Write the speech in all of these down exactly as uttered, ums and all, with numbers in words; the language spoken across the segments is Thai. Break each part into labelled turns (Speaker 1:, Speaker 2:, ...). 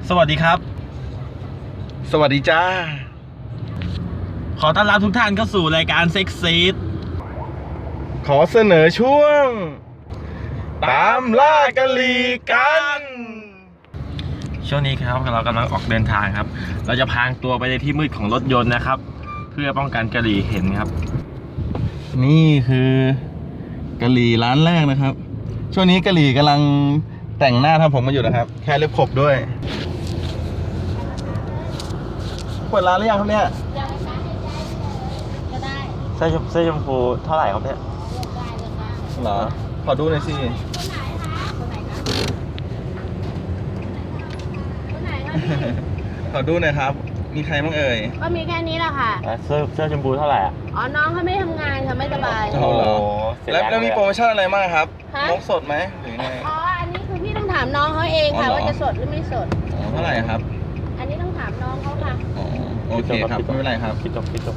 Speaker 1: สวัสดีครับ
Speaker 2: สวัสดีจ้า
Speaker 1: ขอต้อนรับทุกท่านเข้าสู่รายการเซ็กซีด
Speaker 2: ขอเสนอช่วงตามล่ากะลีกัน
Speaker 1: ช่วงนี้ครับเรากำลังออกเดินทางครับเราจะพางตัวไปในที่มืดของรถยนต์นะครับเพื่อป้องกันกะหรี่เห็นครับ
Speaker 2: นี่คือกะหรี่ร้านแรกนะครับช่วงนี้กะหรี่กำลังแต่งหน้าทำผมมาอยู่นะครับแค่เล็บขบด้วยเปิดร้านหรือยังครับเนี่ย
Speaker 3: ก็ได้
Speaker 1: เสื้อชมเสื้อชมพูเท่าไหร่ครับเนี่ย
Speaker 2: เหรอขอดูหน่อยสิ
Speaker 3: คนไหนคะคนไหนคะ
Speaker 2: ขอดูหน่อยครับมีใครบ้างเอ่ย
Speaker 3: ก็มีแค่นี้แหละค่ะ
Speaker 1: เสื้อเสื้อชมพูเท่าไหร่อ่ะ
Speaker 3: อ๋อน้องเขาไม่ทำงานค่ะไม่สบาย
Speaker 2: โอ้โหแล้วแล้วมีโปรโมชั่นอะไรบ้างครับนกสดไหมหรือไง
Speaker 3: อ๋ออันนี้คือพี่ต้องถามน้องเขาเองค่ะว่าจะสดหรือไม่สด
Speaker 2: เท่าไหร่ครับ
Speaker 3: อันนี้ต้องถามน้องเขาค่ะ
Speaker 2: อ๋อโอเคครับไม่เป็นไรครับ
Speaker 1: คิดจบคิดจบ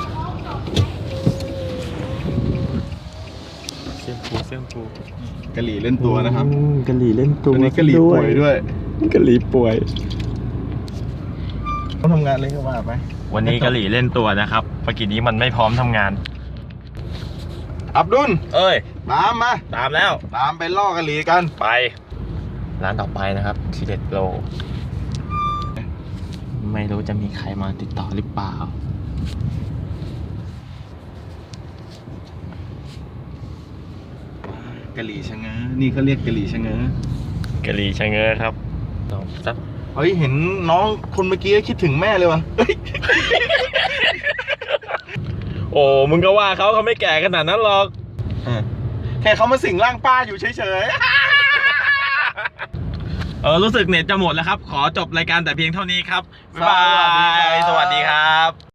Speaker 1: เสื้อผูเสื้อผู
Speaker 2: กะหรี่เล่นตัวนะครับ
Speaker 1: กะหรี่เล่นตัว
Speaker 2: นี้กะหรี่ป่วยด้วย
Speaker 1: กะหรี่ป่วย
Speaker 2: ต้องทำงานเลยก็ว่าไป
Speaker 1: วันนี้กะหรี่เล่นตัวนะครับเมื่อกี้นี้มันไม่พร้อมทำงาน
Speaker 2: อับดุล
Speaker 1: เอ้ย
Speaker 2: ตามมา
Speaker 1: ตามแล้ว
Speaker 2: ตามไปล่อกะหรี่กัน
Speaker 1: ไปร้านต่อไปนะครับทีเด็ดโลไม่รู้จะมีใครมาติดต่อหรือเปล่าก
Speaker 2: ะหรี่ชะเง้อนี่เขาเรียกกะหรี่ชะเง้
Speaker 1: อกะหรี่ชะเง้อครับลองสัก
Speaker 2: เฮ้ยเห็นน้องคนเมื่อกี้คิดถึงแม่เลยวะ
Speaker 1: โอ้มึงก็ว่าเขาเขาไม่แก่ขนาดนั้นหรอก
Speaker 2: แค่เขามาสิงร่างป้าอยู่เฉย
Speaker 1: ๆเออรู้สึกเน็ตจะหมดแล้วครับขอจบรายการแต่เพียงเท่านี้ครับบ๊ายบาย